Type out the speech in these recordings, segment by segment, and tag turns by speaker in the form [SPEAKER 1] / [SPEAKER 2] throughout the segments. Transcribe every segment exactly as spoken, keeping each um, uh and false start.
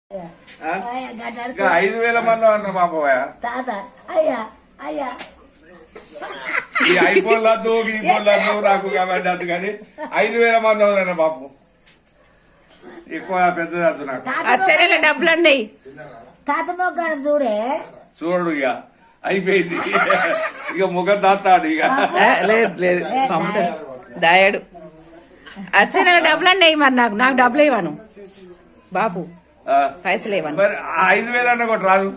[SPEAKER 1] ఐదు వేల మంది అన్న బాబోయా
[SPEAKER 2] తాత అయ్యా అయ్యా
[SPEAKER 1] ఈ ఐఫోన్ లద్దు ఈ ఫోన్ లద్దు నాకు కాబట్టి అది కానీ ఐదు వేల మంది అవుదన్న బాబు ఎక్కువ పెద్దది వద్దు నాకు
[SPEAKER 3] ఆశ్చర్యాల డబ్బులు అండి
[SPEAKER 2] తాత మొగ్గాను చూడే
[SPEAKER 1] చూడు ఇక అయిపోయింది ఇక ముఖం దాస్తాడు ఇక
[SPEAKER 3] లేదు లేదు దాయాడు ఆశ్చర్యాల డబ్బులు అండి మరి నాకు నాకు డబ్బులు ఇవ్వను బాబు పైసలు ఇవ్వను
[SPEAKER 1] మరి ఐదు వేలు అన్న ఒకటి రాదు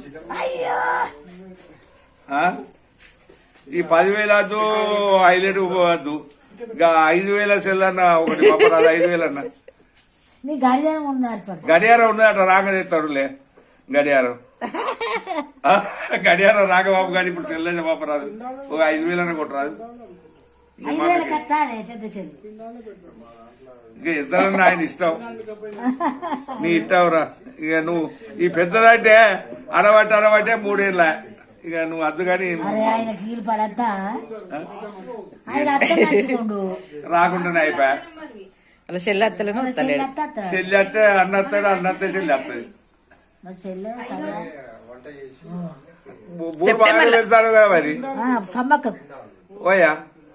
[SPEAKER 1] ఈ పదివేలు వద్దు హైలైట్ వద్దు ఇక ఐదు వేల సెల్ అన్న ఒకటి పంపరాదు ఐదు వేలు అన్న
[SPEAKER 2] నీ గడియారం ఉన్నారు
[SPEAKER 1] గడియారం ఉన్నదట రాగనేస్తాడులే గడియారం గడియారం రాగబాబు గారి ఇప్పుడు సెల్ అయితే పంపరాదు ఒక ఐదు వేలు అన్న కొట్టరాదు ఇక ఇద్దరన్నా ఆయన ఇష్టం నీ ఇష్టంరా ఇక నువ్వు ఈ పెద్దదంటే అరవట్టి అరవట్టే మూడేళ్ళ ఇక నువ్వు అద్దు కానీ రాకుండానే అయిపోయా
[SPEAKER 3] అలా చెల్లి అత్తలేను
[SPEAKER 1] చెల్లి అత్తే అన్న వస్తాడు అన్న వస్తే చెల్లి వస్తుంది బూరు బాగా వేస్తారు కదా మరి ఓయా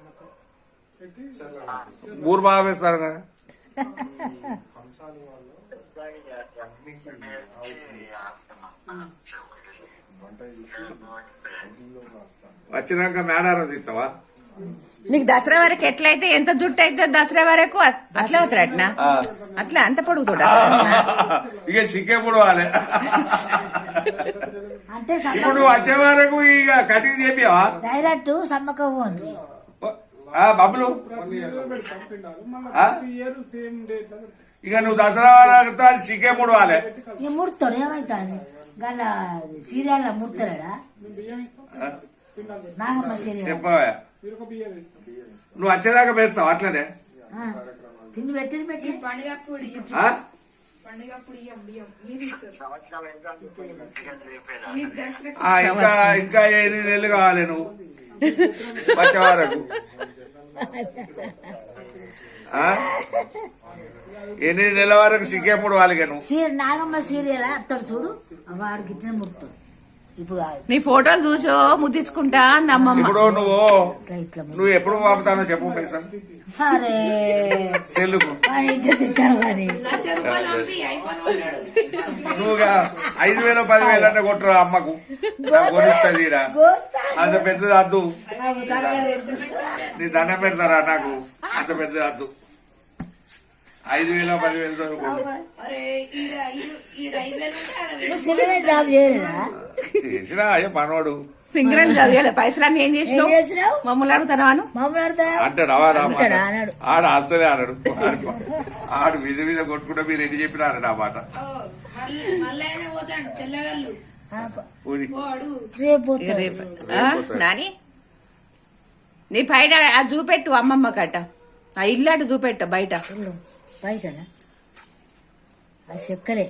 [SPEAKER 1] బూరు బాగా వేస్తారు కదా వచ్చినాక మేడారం తీస్తావా
[SPEAKER 3] నీకు దసరా వరకు ఎట్లయితే ఎంత జుట్టు అయితే దసరా వరకు అట్లా అవుతారు అట్నా అట్లా అంత పొడుగుతాడా
[SPEAKER 1] ఇక సిక్కే పొడవాలి ఇప్పుడు వచ్చే వరకు ఇక కటింగ్ చేపివా
[SPEAKER 2] డైరెక్ట్ సమ్మక
[SPEAKER 1] బబ్బులు ఇక నువ్వు దసరా వరకు సిక్కే ముడవాలి
[SPEAKER 2] ముడతాడు ఏమైతుంది గల సీరియల్ ముడతాడా నాగమ్మ సీరియల్
[SPEAKER 1] చెప్పవా నువ్వు వచ్చేదాకా వేస్తావు అట్లనే
[SPEAKER 2] తిండి పెట్టింది పెట్టి
[SPEAKER 1] ఇంకా ఇంకా ఎనిమిది నెలలు కావాలి నువ్వు వచ్చే వరకు ఎనిమిది నెలల వరకు సిగ్గేప్పుడు వాళ్ళకి నువ్వు
[SPEAKER 2] నాగమ్మ సీరియల్ అత్తడు చూడు వాడికి ఇచ్చిన ముడతాడు ఇప్పుడు
[SPEAKER 3] నీ ఫోటోలు చూసో ముద్దించుకుంటా అమ్మమ్మ
[SPEAKER 1] ఇప్పుడు నువ్వు నువ్వు ఎప్పుడు పంపుతానో చెప్పు పైసలు సెల్లుకు నువ్వు ఐదు వేల పదివేలు అంటే కొట్టరు అమ్మకు కొనిస్తుంది అంత పెద్దది వద్దు నీ దండం పెడతారా నాకు అంత పెద్దది వద్దు ఐదు వేల పదివేలతో చేసినా అయ్యో మనవాడు
[SPEAKER 3] సింగరన్ చదివాడు పైసలన్నీ ఏం చేసినావు మమ్మల్ని అడుగుతాను
[SPEAKER 1] అంటాడు ఆడ అసలే అన్నాడు ఆడు విధ విధ కొట్టుకుంటే మీరు ఎన్ని చెప్పినా అన్నాడు ఆ మాట
[SPEAKER 3] నాని నీ పైన అది చూపెట్టు అమ్మమ్మ కట్ట ఆ ఇల్లు అటు చూపెట్ట బయట
[SPEAKER 2] బయట చెక్కలే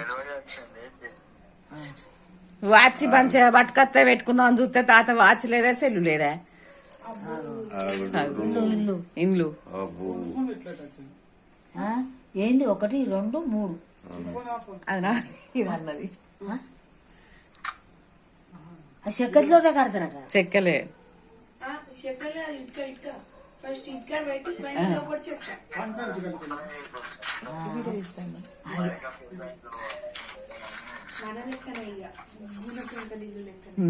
[SPEAKER 3] వాచ్ పంచ పట్టుకత్త పెట్టుకుందాం అని చూస్తే తాత వాచ్ లేదా సెల్లు లేదా
[SPEAKER 2] ఇల్లు
[SPEAKER 3] ఇండ్లు
[SPEAKER 2] ఏంది ఒకటి రెండు మూడు
[SPEAKER 3] అదనా ఇది అన్నది
[SPEAKER 2] ఆ చెక్కలతోటే కడతారట
[SPEAKER 3] చెక్కలే
[SPEAKER 4] ఫస్ట్ ఇటుక పెట్టి పైన లోపల చెప్తా మన లెక్కనే ఇక గుణ పెంకలు ఇల్లు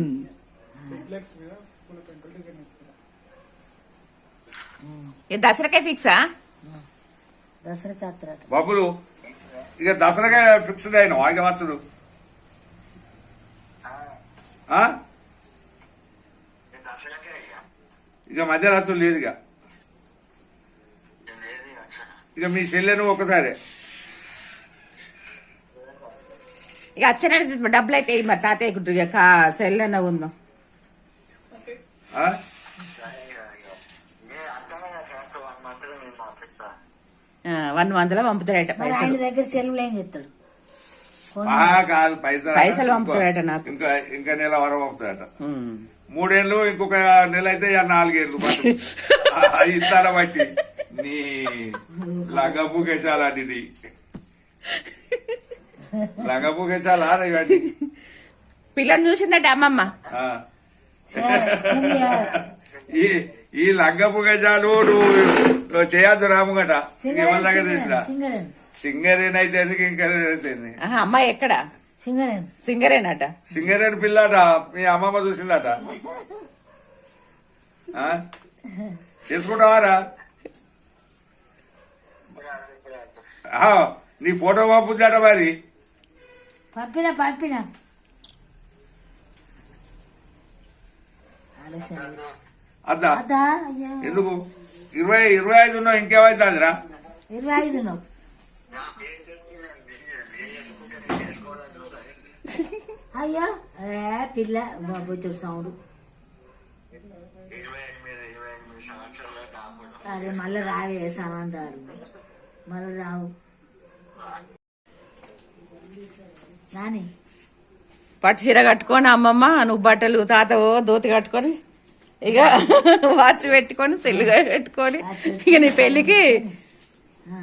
[SPEAKER 4] లెక్కనే
[SPEAKER 3] దసరాకే ఫిక్సా
[SPEAKER 2] దసరాకి వస్తారట
[SPEAKER 1] బాబులు ఇక దసరాకే ఫిక్స్డ్ అయిన వాయిక వచ్చుడు ఇక మధ్య రాత్రులు లేదు ఇక ఇక మీ చెల్లెను ఒకసారి
[SPEAKER 3] ఇక అచ్చన డబ్బులు అయితే మరి తాతయ్య ఇక సెల్ అన్న ఉందాం వన్ మంత్ లో పంపుతాడట
[SPEAKER 2] ఆయన దగ్గర సెలవులు ఏం చెప్తాడు
[SPEAKER 1] కాదు పైసలు
[SPEAKER 3] పైసలు పంపుతాడట నాకు
[SPEAKER 1] ఇంకా ఇంకా నెల వరకు పంపుతాడట మూడేళ్లు ఇంకొక నెల అయితే నాలుగేళ్లు ఇస్తాన బట్టి నీ లగబ్బు కేసాలంటిది లంగపుగే చాలా ఇవన్నీ
[SPEAKER 3] పిల్లని చూసిందట అమ్మమ్మ.
[SPEAKER 1] ఆ. ఈ ఈ లంగపు గజాలు నువ్వు చేయొద్దు రాముగట ఎవరి దగ్గర తెలిసిన
[SPEAKER 2] సింగరేన్
[SPEAKER 1] సింగరేన్ అయితే ఎందుకు ఇంకా అయితే
[SPEAKER 3] ఆహా, అమ్మాయి ఎక్కడ?
[SPEAKER 2] సింగరేన్
[SPEAKER 3] సింగరేనట.
[SPEAKER 1] సింగరేన్ పిల్లట మీ అమ్మమ్మ చూసిందట ఆ? చేసుకుంటావారా ఆ, నీ ఫోటో పంపుతాట మరి
[SPEAKER 2] పంపిన పంపిన ఆలోచన
[SPEAKER 1] అద్దా
[SPEAKER 2] అదా అయ్యా
[SPEAKER 1] ఎందుకు ఇరవై ఇరవై ఐదు ఉన్నావు ఇంకేమైతుందిరా
[SPEAKER 2] ఇరవై ఐదు నువ్వు అయ్యా ఏ పిల్ల బాబు సౌండ్ అదే మళ్ళీ రావే సమాంతాలు మళ్ళీ రావు నాని
[SPEAKER 3] పట్టు చీర కట్టుకొని అమ్మమ్మ, నువ్వు బట్టలు తాతవో దోతి కట్టుకొని ఇక వాచ్ పెట్టుకొని సెల్లు పెట్టుకొని ఇక నీ పెళ్లికి
[SPEAKER 2] ఆ.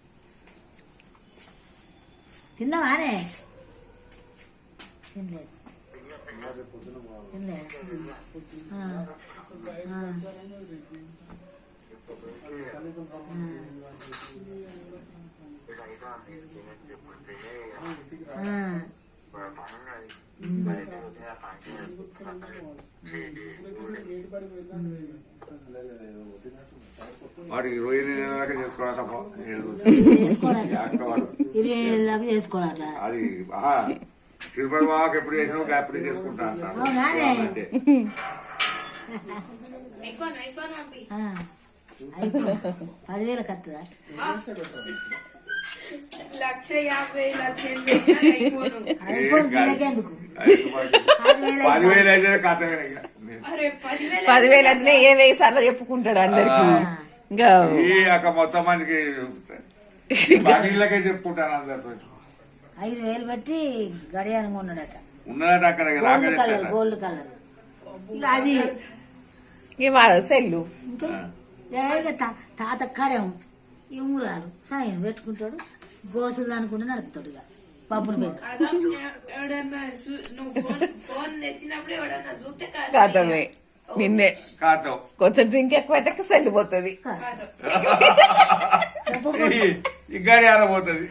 [SPEAKER 2] తిన్నావానే తినలేదు తినలేదు ఆ. ఆ. ఆ.
[SPEAKER 1] వాడికి ఇరవై ఎనిమిది నెలలకే చేసుకోవాలట
[SPEAKER 2] ఇరవై ఏళ్ళ దాకా చేసుకోవాలి
[SPEAKER 1] అది ఆ, తిరుపతి బాగా ఎప్పుడు చేసినా ఎప్పుడు చేసుకుంటా అంటారు
[SPEAKER 2] అవునానే?
[SPEAKER 1] అంటే
[SPEAKER 4] ఐఫోన్ ఐఫోన్ పంపి
[SPEAKER 2] ఆ. అయిపోయింది. పదివేలకు వస్తుందా
[SPEAKER 4] లక్ష యాభై లక్ష ఎనభై ఐఫోన్
[SPEAKER 2] ఐఫోన్ పిల్లకెందుకు పదివేలు
[SPEAKER 1] పదివేలు అయితే కథమే ఇక.
[SPEAKER 4] అరే పదివేల
[SPEAKER 3] పదివేలు అయితే ఏ వెయ్యి సార్లు చెప్పుకుంటాడు అందరికి. ఇంకా
[SPEAKER 1] ఈ యొక్క మొత్తం మందికి బాకీలకే చెప్పుకుంటాను అందరితో
[SPEAKER 2] ఐదు వేలు బట్టి గడియారం ఉన్నాడట
[SPEAKER 1] ఉన్నదట అక్కడ
[SPEAKER 2] గోల్డ్
[SPEAKER 1] రాకనే
[SPEAKER 2] కలర్ గోల్డ్ కలర్ ఇక అది
[SPEAKER 3] ఇక వాళ్ళ సెల్లు
[SPEAKER 2] ఇంకా ఏక తా- తాత కాడేమో ఇమ్మురాలు సాయం పెట్టుకుంటాడు గోసులు అనుకుంటూ నడుపుతాడు ఇక పప్పులు పెట్టి
[SPEAKER 4] అదో ఎవడన్నా చూ- నువ్వు ఫోన్ ఫోన్ ఎత్తినప్పుడు ఎవడన్నా చూస్తే కాదు.
[SPEAKER 3] కాదమే నిన్నే
[SPEAKER 1] కాదు
[SPEAKER 3] కొంచెం డ్రింక్ ఎక్కువైతే సెల్లు పోతుంది.
[SPEAKER 4] కాదు.
[SPEAKER 1] ఈ గాడి ఆడబోతుంది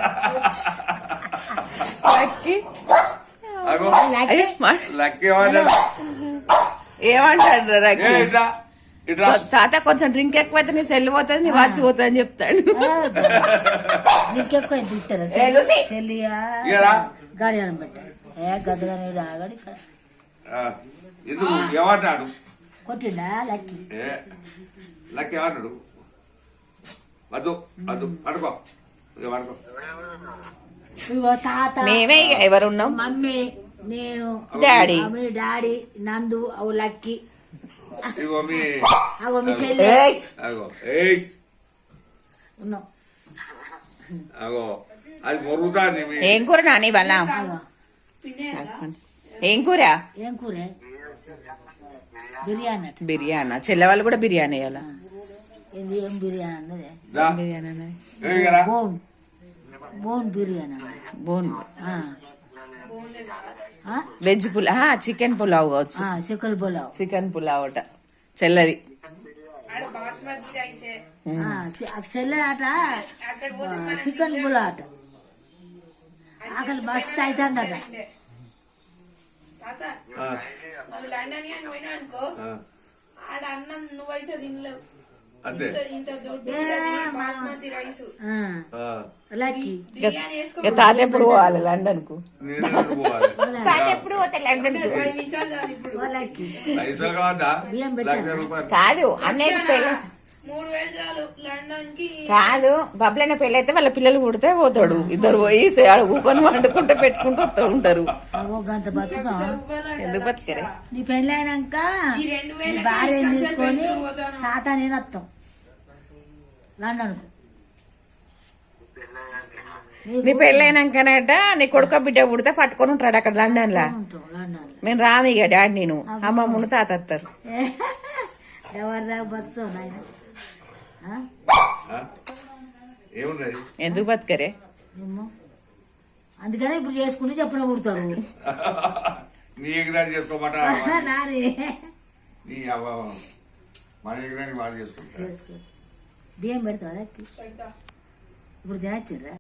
[SPEAKER 3] లక్కీ
[SPEAKER 1] అగో
[SPEAKER 3] అయ్యో, మా-
[SPEAKER 1] లక్కీ వాడు
[SPEAKER 3] ఏమంటాడు
[SPEAKER 1] ఏ
[SPEAKER 3] లక్కీ?
[SPEAKER 1] ఇట్లా ఇట్లా
[SPEAKER 3] తాత కొంచెం డ్రింక్ ఎక్కువైతే నీ సెల్ పోతుంది, నీ వాచ్ పోతుంది అని చెప్తాడు.
[SPEAKER 2] నీకెక్కువ ఎంత ఇస్తారా
[SPEAKER 3] ఏ లూసీ.
[SPEAKER 2] చెల్లియా
[SPEAKER 1] ఇయ్యరా?
[SPEAKER 2] గడియారం పెట్టాడు ఏ గద్దగానే ఆగాడు ఇక్కడ
[SPEAKER 1] ఆ, ఎందుకు ఏమంటాడు
[SPEAKER 2] కొట్టిండా లక్కి
[SPEAKER 1] ఏ లక్కీ ఏమంటాడు వద్దు వద్దు పడుకో ఇక పడుకో
[SPEAKER 2] ఇగో తాత
[SPEAKER 3] మేమే ఇక ఎవరున్నాం?
[SPEAKER 2] మమ్మీ నేను
[SPEAKER 3] డాడీ.
[SPEAKER 2] మమ్మీ డాడీ నందు అవు లక్కి
[SPEAKER 1] ఇగో మీ
[SPEAKER 2] అగో మీ చెల్లి
[SPEAKER 3] ఏయ్,
[SPEAKER 1] అగో ఏయ్
[SPEAKER 2] ఉన్నాం
[SPEAKER 1] అగో అది మొరుగుతాంది మీ
[SPEAKER 3] ఏం కూర నాని వాళ్ళ?
[SPEAKER 2] అగో
[SPEAKER 4] పిన్నేదా?
[SPEAKER 3] ఏం కూర?
[SPEAKER 2] ఏం కూరే బిర్యానీ అట
[SPEAKER 3] బిర్యానా? చెల్లె వాళ్ళు కూడా బిర్యానీ వేయాలా?
[SPEAKER 2] ఇది ఏం బిర్యానీ అన్నది
[SPEAKER 1] దా.
[SPEAKER 3] బిర్యానీ అన్నది.
[SPEAKER 1] ఏయ్ కదా
[SPEAKER 2] బోన్ బోన్ బిర్యానీ అన్నది
[SPEAKER 3] బోన్
[SPEAKER 2] ఆ. ఆ?
[SPEAKER 3] వెజ్ పులావ్, చికెన్ పులావ్ కావచ్చు.
[SPEAKER 2] ఆ, చికెన్ పులావ్
[SPEAKER 3] చికెన్ పులావ్ అట చెల్లది.
[SPEAKER 4] ఆడ బాస్మతి రైసే
[SPEAKER 2] ఆ, చి- ఆ చెల్లె ఆట
[SPEAKER 4] అక్కడ పోతే మన
[SPEAKER 2] చికెన్ పులావ్ ఆట అక్కడ మస్తు అవుతుందట
[SPEAKER 4] తాత
[SPEAKER 1] ఆ,
[SPEAKER 4] నువ్వు లండన్ అని పోయినా అనుకో
[SPEAKER 1] ఆ,
[SPEAKER 4] ఆడ అన్నం నువ్వైతే తినలేవు.
[SPEAKER 1] అంతే
[SPEAKER 4] ఇంత ఇంత దొడ్డు బాస్మతి రైస్
[SPEAKER 2] ఆ,
[SPEAKER 1] ఆ,
[SPEAKER 2] లక్కీ
[SPEAKER 4] బిర్యానీ వేసుకో
[SPEAKER 3] ఇక తాత ఎప్పుడు పోవాలి లండన్ కు?
[SPEAKER 1] నేను ఎక్కడికి పోవాలి
[SPEAKER 3] తాత ఎప్పుడు పోతే లండన్ కు?
[SPEAKER 4] పది నిమిషాలు చాలు ఇప్పుడు
[SPEAKER 2] ఓ లక్కీ
[SPEAKER 1] పైసలు కావద్దా
[SPEAKER 2] బియ్యం పెట్టాను.
[SPEAKER 1] లక్ష రూపాయలు
[SPEAKER 3] కాదు అన్నయ్య పెళ్ళి
[SPEAKER 4] మూడు వేలు చాలు లండన్ కి.
[SPEAKER 3] కాదు, బబ్లైన పెళ్ళి అయితే వాళ్ళ పిల్లలు పుడితే పోతాడు. ఇద్దరు పోయి ఆడ ఊకొని వండుకుంటూ పెట్టుకుంటూ వస్తూ ఉంటారు.
[SPEAKER 2] ఓ గంత బతుకుతాం
[SPEAKER 3] ఎందుకు బతికరే?
[SPEAKER 2] నీ పెళ్ళి అయినాక
[SPEAKER 4] ఈ రెండు
[SPEAKER 2] నీ
[SPEAKER 4] వేలకి
[SPEAKER 2] భార్యని
[SPEAKER 4] సంచులు
[SPEAKER 2] తీసుకొని
[SPEAKER 4] పెట్టుకుని పోతాను.
[SPEAKER 2] తాత నేను వస్తాం లండన్
[SPEAKER 3] నీ పెళ్ళైనాకనట నీ కొడుక బిడ్డ పుడితే పట్టుకొని ఉంటాడు అక్కడ లండన్ లా.
[SPEAKER 2] ఉంటాం లండన్
[SPEAKER 3] మేము రాము ఇక డాడీ నేను అమ్మమ్మను తాత వస్తారు.
[SPEAKER 2] ఎవరి దాకా బతుకుతావు నాయన ఆ?
[SPEAKER 1] ఆ? ఏమున్నది
[SPEAKER 3] ఎందుకు బతికరే?
[SPEAKER 2] ఏమో అందుకనే ఇప్పుడు చేసుకుంటే చెప్పిన పుడతారు
[SPEAKER 1] నీ ఎగిరాన్ని చేసుకోమాట
[SPEAKER 2] నాని
[SPEAKER 1] నీ అవ్వ మన ఎగిరాన్ని వాళ్ళు చేసుకుంటారు
[SPEAKER 2] బియ్యం పెడతావా
[SPEAKER 4] పెడతా.
[SPEAKER 2] ఇప్పుడు తినచ్చురా